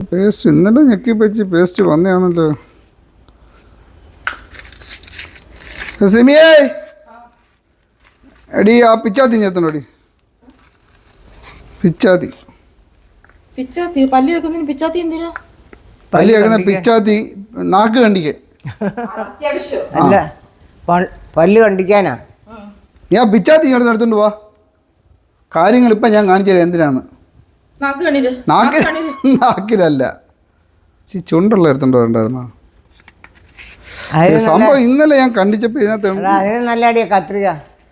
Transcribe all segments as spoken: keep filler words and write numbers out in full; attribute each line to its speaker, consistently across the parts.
Speaker 1: Paste ഇന്നലെ ഞെക്കി വെച്ച് പേസ്റ്റ് വന്നതാണല്ലോ. സിമിയേ എടി ആ പിച്ചാത്തി ഞെത്തണോടി. പിച്ചാത്തി
Speaker 2: പിച്ചാത്തി പല്ലി വെക്കുന്നതിന് പിച്ചാത്തി എന്തിനാ?
Speaker 1: പല്ലി വെക്കുന്ന പിച്ചാത്തി നാക്ക് കണ്ടിക്കേ.
Speaker 3: അല്ല പല്ല് കണ്ടിക്കാനാ.
Speaker 1: ഞാൻ പിച്ചാത്തി ഇങ്ങോട്ട് എടുത്തോണ്ട് പോവാ. കാര്യങ്ങൾ ഇപ്പം ഞാൻ കാണിച്ചു തരാം എന്തിനാണ്. നാക്കിൽ നാക്കിലല്ല ചുണ്ടുള്ള എടുത്തോണ്ട് വേണ്ടായിരുന്നോ സംഭവം. ഇന്നലെ ഞാൻ കണ്ടിച്ചപ്പോ ഇതിനകത്ത്
Speaker 3: നല്ല അടിയാ കത്രിക.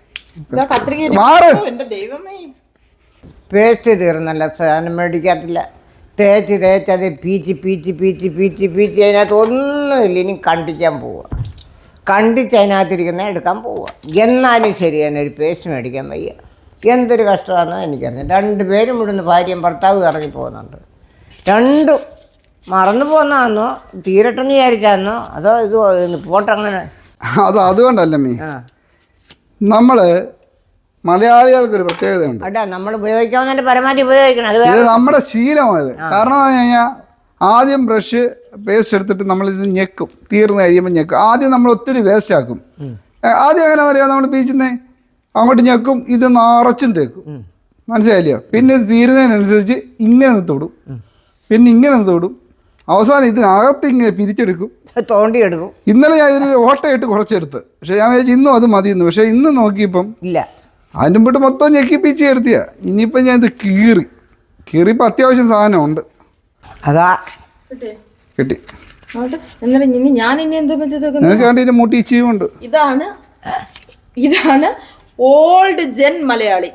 Speaker 3: പേസ്റ്റ് തീർന്നല്ല, സാധനം മേടിക്കാത്തില്ല. തേച്ച് തേച്ച് അത് പീച്ച് പീച്ച് പീച്ച് പീച്ച് പീച്ച് അതിനകത്ത് ഒന്നുമില്ല. ഇനി കണ്ടിക്കാൻ പോവുക, കണ്ടിച്ച് അതിനകത്തിരിക്കുന്ന എടുക്കാൻ പോവുക. എന്നാലും ശരി തന്നെ ഒരു പേസ്റ്റ് മേടിക്കാൻ വയ്യ. എന്തൊരു കഷ്ടമാണെന്നോ എനിക്കറിയാം. രണ്ട് പേരും ഇവിടുന്ന് ഭാര്യയും ഭർത്താവും ഇറങ്ങി പോകുന്നുണ്ട്. രണ്ടും മറന്നു പോകുന്നതാണോ തീരട്ടെന്ന് വിചാരിച്ചാന്നോ അതോ ഇത് പോട്ടങ്ങനെ?
Speaker 1: അത് അതുകൊണ്ടല്ല മീ, നമ്മള് മലയാളികൾക്കൊരു പ്രത്യേകതയുണ്ട്.
Speaker 3: അല്ല നമ്മൾ ഉപയോഗിക്കാവുന്നതിന്റെ പരമാവധി ഉപയോഗിക്കണം. അത്
Speaker 1: ഇത് നമ്മുടെ ശീലമായത്. കാരണം എന്താ പറഞ്ഞു കഴിഞ്ഞാൽ ആദ്യം ബ്രഷ് പേസ്റ്റ് എടുത്തിട്ട് നമ്മളിത് ഞെക്കും, തീർന്ന് കഴിയുമ്പോൾ ഞെക്കും. ആദ്യം നമ്മൾ ഒത്തിരി വേസ്റ്റ് ആക്കും. ആദ്യം എങ്ങനെയാണെന്ന് അറിയാം, നമ്മൾ പീച്ചുന്നേ അങ്ങോട്ട് ഞെക്കും, ഇത് നിറച്ചും തേക്കും. മനസ്സിലായില്ലയോ? പിന്നെ ഇത് തീരുന്നതിനനുസരിച്ച് ഇങ്ങനെ തൊടും, പിന്നെ ഇങ്ങനെ തൊടും, അവസാനം ഇതിനകത്ത് ഇങ്ങനെ പിരിച്ചെടുക്കും,
Speaker 3: തോണ്ടിയെടുക്കും.
Speaker 1: ഇന്നലെ ഞാൻ ഇതിന് ഓട്ടയിട്ട് കുറച്ചെടുത്ത്, പക്ഷെ ഞാൻ വിചാരിച്ചു ഇന്നും അത് മതിയെന്ന്. പക്ഷെ ഇന്ന് നോക്കിയപ്പം ഇല്ല, അതിൻ്റെ മുമ്പോട്ട് മൊത്തം ഞെക്കിപ്പിച്ച് എടുത്തിയാ. ഇനിയിപ്പം ഞാൻ ഇത് കീറി കീറിയപ്പോൾ അത്യാവശ്യം സാധനം ഉണ്ട്.
Speaker 3: അതാ
Speaker 1: കിട്ടി.
Speaker 2: ഞാൻ ഇനി എന്താ
Speaker 1: നിനക്ക് വേണ്ടി ഇതിന്റെ മുട്ടി ഇച്ചിയുണ്ട്.
Speaker 2: ഇതാണ് ഇതാണ് ഓൾഡ് ജെൻ മലയാളി.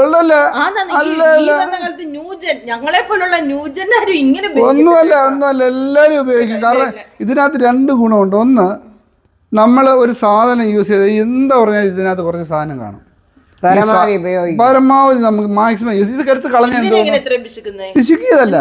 Speaker 2: ഞങ്ങളെ പോലുള്ള ന്യൂജനാരും ഇങ്ങനെ
Speaker 1: ഒന്നുമല്ല ഒന്നുമല്ല എല്ലാരും ഉപയോഗിക്കും. കാരണം ഇതിനകത്ത് രണ്ട് ഗുണമുണ്ട്. ഒന്ന്, നമ്മൾ ഒരു സാധനം യൂസ് ചെയ്ത് എന്താ പറഞ്ഞാൽ ഇതിനകത്ത് കുറച്ച് സാധനം കാണും. പരമാവധി നമുക്ക് മാക്സിമം യൂസ് ഇത് എടുത്ത് കളഞ്ഞ പിശുക്കിയതല്ല.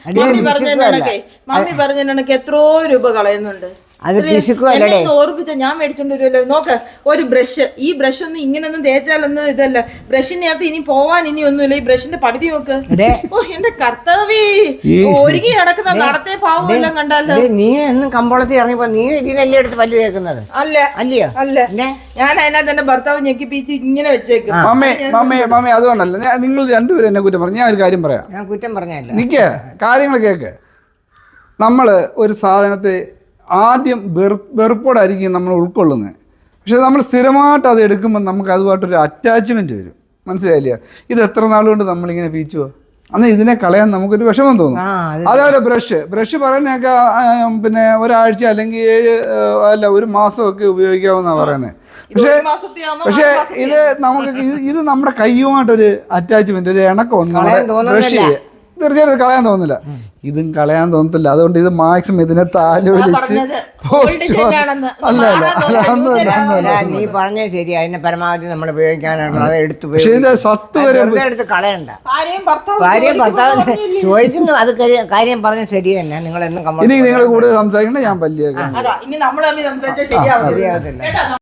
Speaker 2: മമ്മി പറഞ്ഞ എത്രയോ രൂപ കളയുന്നുണ്ട്. ഓർപ്പിച്ച ഞാൻ മേടിച്ചോണ്ട് വരുമല്ലോ. നോക്ക്, ഒരു ബ്രഷ്, ഈ ബ്രഷ് ഒന്നും ഇങ്ങനൊന്നും തേച്ചാലൊന്നും ഇതല്ല. ബ്രഷിനകത്ത് ഇനി പോവാൻ ഇനി ഒന്നുമില്ല. ഈ ബ്രഷിന്റെ പകുതി നോക്ക്. ഓ എന്റെ കർത്താവേ, ഒരുങ്ങി നടക്കുന്ന നടത്തെ പാവം എല്ലാം കണ്ടാലോ.
Speaker 3: നീ എന്നും കമ്പോളത്തിൽ ഇറങ്ങിപ്പോ നീ ഇതിനെല്ലാം എടുത്ത് പല്ല് തേക്കുന്നത്
Speaker 2: അല്ല? അല്ലയോ? അല്ല, ഞാൻ അതിനകത്ത് എന്റെ ഭർത്താവ് ഞെക്കി പീച്ച് ഇങ്ങനെ വെച്ചേക്കും.
Speaker 1: മമ്മി മമ്മി മമ്മി അതുകൊണ്ടല്ല നിങ്ങൾ രണ്ടുപേരും എന്നെ കുറ്റം പറഞ്ഞു. ഞാൻ ഒരു കാര്യം പറയാം.
Speaker 3: ഞാൻ കുറ്റം പറഞ്ഞല്ല,
Speaker 1: നിക്ക് കാര്യങ്ങൾ കേക്ക്. നമ്മള് ഒരു സാധനത്തെ ആദ്യം വെറു വെറുപ്പോടായിരിക്കും നമ്മൾ ഉൾക്കൊള്ളുന്നത്. പക്ഷെ നമ്മൾ സ്ഥിരമായിട്ട് അത് എടുക്കുമ്പോൾ നമുക്ക് അതുമായിട്ടൊരു അറ്റാച്ച്മെൻറ്റ് വരും. മനസ്സിലായില്ല? ഇത് എത്ര നാളുകൊണ്ട് നമ്മളിങ്ങനെ പീച്ചുവോ, അന്ന് ഇതിനെ കളയാൻ നമുക്കൊരു വിഷമം തോന്നും. അതേപോലെ ബ്രഷ് ബ്രഷ് പറയുന്നതൊക്കെ പിന്നെ ഒരാഴ്ച അല്ലെങ്കിൽ ഏഴ് അല്ല ഒരു മാസമൊക്കെ ഉപയോഗിക്കാമെന്നാണ് പറയുന്നത്. പക്ഷേ പക്ഷേ ഇത് നമുക്ക് ഇത് നമ്മുടെ കയ്യുമായിട്ടൊരു അറ്റാച്ച്മെൻറ്റ്, ഒരു ഇണക്കമുണ്ട്. ബ്രഷ് തീർച്ചയായിട്ടും കളയാൻ തോന്നില്ല. ഇതും കളയാൻ തോന്നത്തില്ല. അതുകൊണ്ട് ഇത് മാക്സിമം ഇതിനെ താലോലിച്ച്
Speaker 3: നീ പറഞ്ഞ ശരി. അതിനെ പരമാവധി നമ്മൾ ഉപയോഗിക്കാനാണ് അത് എടുത്ത്.
Speaker 1: പക്ഷേ ഇതിന്റെ സത്ത് വരെ
Speaker 3: എടുത്ത് കളയണ്ട. ഭാര്യയും ഭർത്താവ് ചോദിക്കുന്നു. അത് കാര്യം പറഞ്ഞ ശരി തന്നെ. നിങ്ങൾ എന്നും
Speaker 1: ഇനി നിങ്ങൾ കൂടുതൽ സംസാരിക്കണ്ട, ഞാൻ പല്ലിയേക്കാം.
Speaker 2: ഇനി നമ്മൾ ശരിയാവത്തില്ല.